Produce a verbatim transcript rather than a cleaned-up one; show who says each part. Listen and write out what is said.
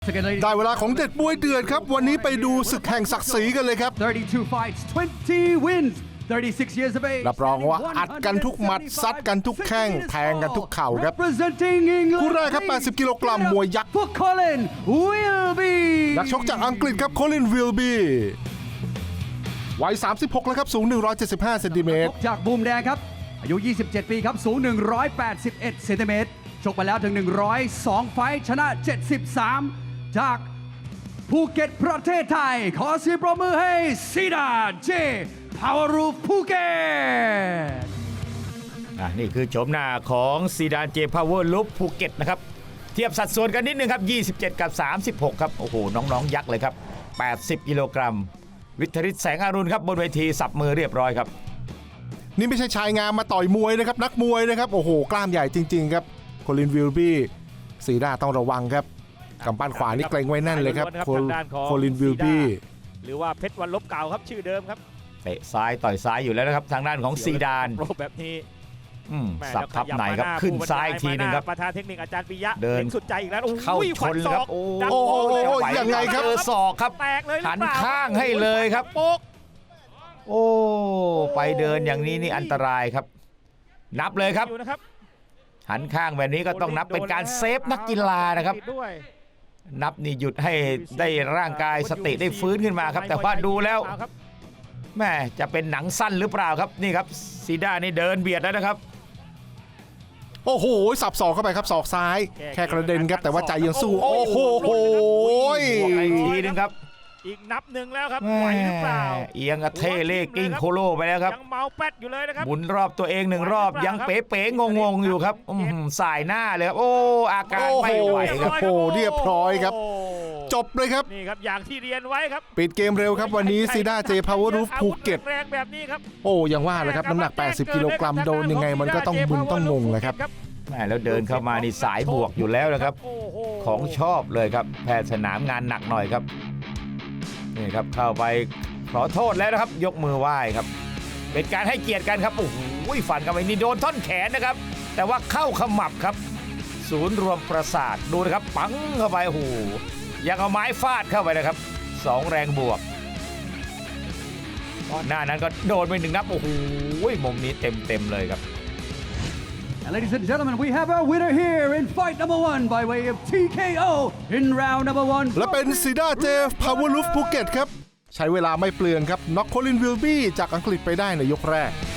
Speaker 1: ได้เวลาของเด็ดมวยเดือดครับวันนี้ไปดูศึกแห่งศักดิ์ศรีกันเลยครับ
Speaker 2: thirty-two fights twenty wins thirty-six years of age
Speaker 1: รับรองว่าอัดกันทุกหมัดซัดกันทุกแข้งแทงกันทุกเข่าครับ
Speaker 2: Representing England
Speaker 1: คู่แรกครับแปดสิบกิโลกรัมมวยยักษ์
Speaker 2: for Colin Wilby
Speaker 1: นักชกจากอังกฤษครับโคลินวิลบีวัยสามสิบหกแล้วครับสูงหนึ่งร้อยเจ็ดสิบห้าเซนติเมตร
Speaker 2: จากบูมแดงครับอายุยี่สิบเจ็ดปีครับสูงหนึ่งร้อยแปดสิบเอ็ดเซนติเมตรชกมาแล้วถึงหนึ่งร้อยสองไฟท์ชนะเจ็ดสิบสามจากภูเก็ตประเทศไทยขอเสียงปรบมือให้ซีดานเจพาวเวอร์รูฟภูเก็ต
Speaker 3: นี่คือโฉมหน้าของซีดานเจพาวเวอร์ลูฟภูเก็ตนะครับเทียบสัดส่วนกันนิดนึงครับยี่สิบเจ็ดกับสามสิบหกครับโอ้โหน้องๆยักษ์เลยครับแปดสิบกิโลกรัมวิทริศแสงอรุณครับบนเวทีสับมือเรียบร้อยครับ
Speaker 1: นี่ไม่ใช่ชายงามมาต่อยมวยนะครับนักมวยนะครับโอ้โหกล้ามใหญ่จริงๆครับโคลินวิลบี้ซีดาต้องระวังครับกำปั้นขวานี่เกรงไว้แน่นเลยครับโคลินวิลบี้
Speaker 4: หรือว่าเพชรวันลบเก่าครับชื่อเดิมครับ
Speaker 3: เตะซ้ายต่อยซ้ายอยู่แล้วนะครับทางด้านของซีดาน
Speaker 4: โปรแบบนี้
Speaker 3: สับทับไหนครับขึ้นซ้ายทีนึงครับ
Speaker 4: ประธานเทคนิคอาจารย์ปิยะ
Speaker 3: เดิน
Speaker 4: สุดใจอีกแล้ว
Speaker 3: เข้าชนครับโอ้โห
Speaker 1: ยังไงครับ
Speaker 3: เจอศอกครับ
Speaker 4: แตกเลย
Speaker 3: หันข้างให้เลยครับโป๊กโอ้ไปเดินอย่างนี้นี่อันตรายครับนับเลยครับหันข้างแบบนี้ก็ต้องนับเป็นการเซฟนักกีฬานะครับนับนี่หยุดให้ได้ร่างกายสติได้ฟื้นขึ้นมาครับแต่ว่าดูแล้วแม่จะเป็นหนังสั้นหรือเปล่าครับนี่ครับซีดานี่เดินเบียดแล้วนะครับ
Speaker 1: โอ้โหสับศอกเข้าไปครับศอกซ้ายแค่กระเด็นครับแต่ว่าใจยังสู้โอ้โห
Speaker 3: อีกทีนึงครับ
Speaker 4: อีกนับหนึ่งแล้วครับไหวหรือเปล่า
Speaker 3: เอียงกระเทเล่กิ้งโคโลไปแล้วครับ
Speaker 4: ยังเมาแป๊ดอยู่เลยนะครับ
Speaker 3: หมุนรอบตัวเองหนึ่งรอบยังเป๋ๆงงๆอยู่ครับสายหน้าเลยครับโอ้อาการไม่ไหวครับ
Speaker 1: โอ้เรียบร้อยครับจบเลยครับ
Speaker 4: นี่ครับอย่างที่เรียนไว้ครับ
Speaker 1: ปิดเกมเร็วครับวันนี้ซีดาเจพาวเวอร์รูฟภูเก็ต
Speaker 4: แรงแบบนี้ครับ
Speaker 1: โอ้ยังว่าเลยครับน้ำหนักแปดสิบกิโลกรัมโดนยังไงมันก็ต้องมึนต้องงงเลยครับ
Speaker 3: แม่แล้วเดินเข้ามานี่สายบวกอยู่แล้วนะครับของชอบเลยครับแพทย์สนามงานหนักหน่อยครับนี่ครับเข้าไปขอโทษแล้วนะครับยกมือไหว้ครับเป็นการให้เกียรติกันครับโอ้โหฟันกันไปนี่โดนท่อนแขนนะครับแต่ว่าเข้าขมับครับศูนย์รวมประสาทดูนะครับปังเข้าไปโอ้โหยังเอาไม้ฟาดเข้าไปนะครับสองแรงบวกหน้านั้นก็โดนไปหนึ่งนับโอ้โหมุมนี้เต็มเต็มเลยครับ
Speaker 2: And ladies and gentlemen, we have our winner here in fight number one by way of ที เค โอ in round number one.
Speaker 1: และเป็นซีดาเจพาวเวอร์ลูฟภูเก็ตครับใช้เวลาไม่เปลืองครับน็อกโคลินวิลบี้จากอังกฤษไปได้ในยกแรก